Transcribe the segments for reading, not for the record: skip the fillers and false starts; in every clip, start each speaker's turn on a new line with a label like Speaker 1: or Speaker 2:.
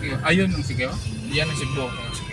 Speaker 1: Sikihor. Ayun ang Sikihor?
Speaker 2: Yan ang Cebu.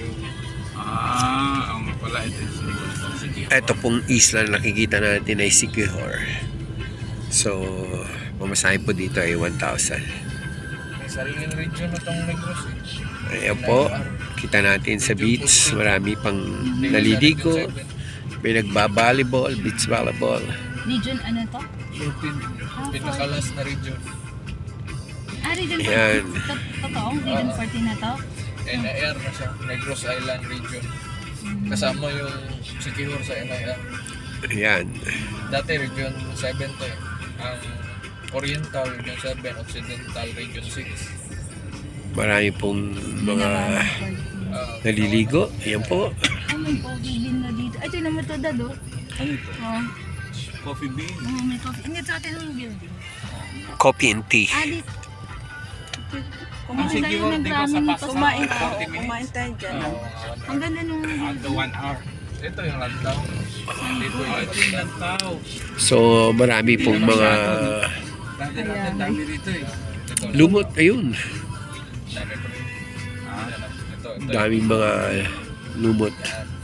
Speaker 1: Ang pala ito yung Sikihor.
Speaker 3: Ito pong isla na nakikita natin ay Sikihor. So, pamasahin po dito ay 1,000.
Speaker 2: May sariling region na itong Negros
Speaker 3: Ayan po, kita natin sa beach, marami pang naliligo, may nagba-volleyball, beach volleyball.
Speaker 4: Region ano to?
Speaker 2: Pinakalas na region.
Speaker 4: Region
Speaker 3: Ayan.
Speaker 4: 14. Totoong Region 14 na to?
Speaker 2: NIR na siya. Negros Island region. Kasama yung Sikihor sa NIR.
Speaker 3: Ayan.
Speaker 2: Dati region 7 to eh. Ang Oriental region 7, Occidental region 6.
Speaker 3: Marami pong mga naliligo. Ayan po.
Speaker 4: Ay, may coffee bean na dito. Ay, ito naman ito, Dad, oh.
Speaker 1: Ano ito?
Speaker 4: Oh,
Speaker 1: Coffee bean?
Speaker 4: may coffee. Hindi, sa atin yung building.
Speaker 3: Coffee and tea.
Speaker 4: Dito.
Speaker 1: Ang Sikihor, di ba sa pasok?
Speaker 4: Kumain
Speaker 1: 40 minutes?
Speaker 4: Kumain tayo dyan. Ang ganda nung...
Speaker 1: After 1 hour.
Speaker 2: Ito yung lantaw. Dito yung
Speaker 1: Ito yung lantaw.
Speaker 3: So, marami pong mga
Speaker 1: Dati dami rito eh.
Speaker 3: lumot. Ayun.
Speaker 2: dami pa rin. Ito.
Speaker 3: Daming mga lumot.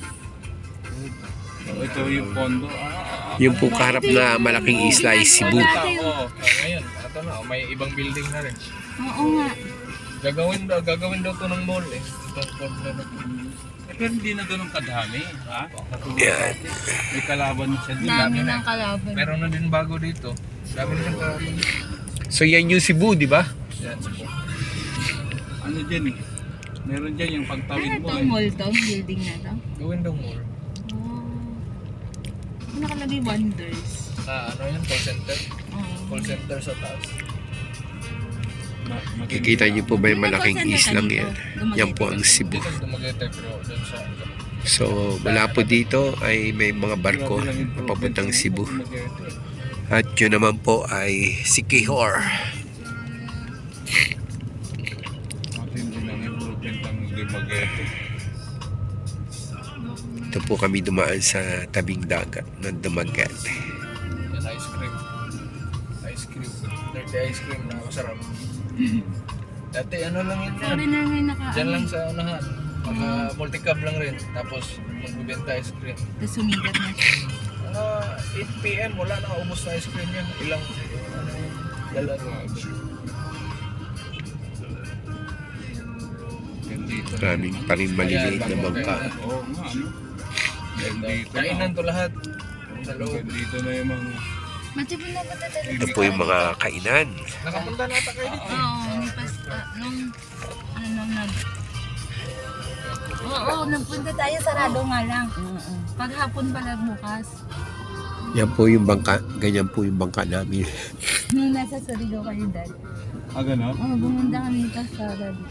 Speaker 1: Ito yung pondo.
Speaker 3: Yung po kaharap na malaking isla ay Cebu.
Speaker 2: Ngayon, ito na. May ibang building na rin.
Speaker 4: Oo nga.
Speaker 2: Gagawin daw to ng mall eh. Itong corner na to.
Speaker 1: Pero hindi na ganun kadami. Ha?
Speaker 3: Yan.
Speaker 1: May kalaban siya din.
Speaker 4: Dami ng kalaban.
Speaker 2: Meron na din bago dito. Dami na kalaban.
Speaker 3: So, yan yung Cebu, di ba?
Speaker 2: Yan, Cebu.
Speaker 1: Ano dyan eh? Meron dyan yung pagtawid
Speaker 4: Ano
Speaker 1: mo
Speaker 4: itong
Speaker 1: eh.
Speaker 4: mall to? Building na to?
Speaker 2: Gawin daw mall.
Speaker 4: Ano nakalagay Wonders?
Speaker 2: Ano yan? Call center?
Speaker 4: Oo.
Speaker 2: Call center sa taas.
Speaker 3: Kikita niyo po ba yung malaking islang yan? Yan po ang Cebu.
Speaker 2: Dito sa Dumaguete pero doon sa...
Speaker 3: So, mula po dito ay may mga barko na papuntang Cebu. At yun naman po ay Sikihor.
Speaker 1: Matindi lang improvement ang Dumaguete.
Speaker 3: Ito po kami dumaan sa tabing dagat ng Dumaguete.
Speaker 2: Yan, ice cream. Ice cream. Dirty ice cream na masarap. Dati ano lang yun
Speaker 4: Sorry
Speaker 2: yan.
Speaker 4: na may naka...
Speaker 2: Diyan lang sa unahan. Mga multi-cab lang rin. Tapos magbibenta ice cream.
Speaker 4: Tapos sumigat na siya.
Speaker 2: Mga 8 PM wala na ubos na ice cream yan. Ilang dala na.
Speaker 1: Dito.
Speaker 3: Maraming pa rin maliliit na bangka.
Speaker 1: Oo nga ano. Dito
Speaker 2: Kainan to lahat. Sa loob.
Speaker 1: Dito na yung mga...
Speaker 4: Matipon na ba tayo?
Speaker 3: Ito po yung mga kainan.
Speaker 2: Nakapunta na ata kayo dito.
Speaker 4: Oo, nipas... Oo, nagpunta tayo, sarado nga lang. Paghapon pala bukas.
Speaker 3: Yan po yung bangka. Ganyan po yung bangka namin.
Speaker 4: Nung nasa Surigao kayo, Dad.
Speaker 1: gano'n?
Speaker 4: Oo, bumunda kami sa sarado.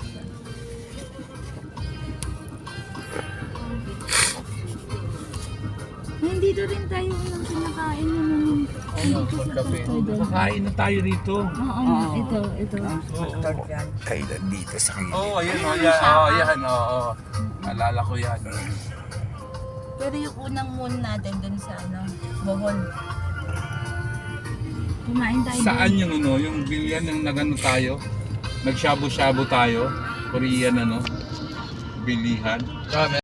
Speaker 4: Nandito rin tayo nang kinakain naman.
Speaker 2: Magkape.
Speaker 1: Kakain na tayo rito.
Speaker 4: Oo nga, ito.
Speaker 3: Kainan dito sa kainan.
Speaker 1: Oo, ayan o. Yan. Oo. Alala ko yan.
Speaker 4: Pero yung unang moon natin dun sa Bohol. Kumain tayo
Speaker 1: Saan yung yung bilyan ng nagano tayo? Nagshabu-shabu tayo. Korean bilihan.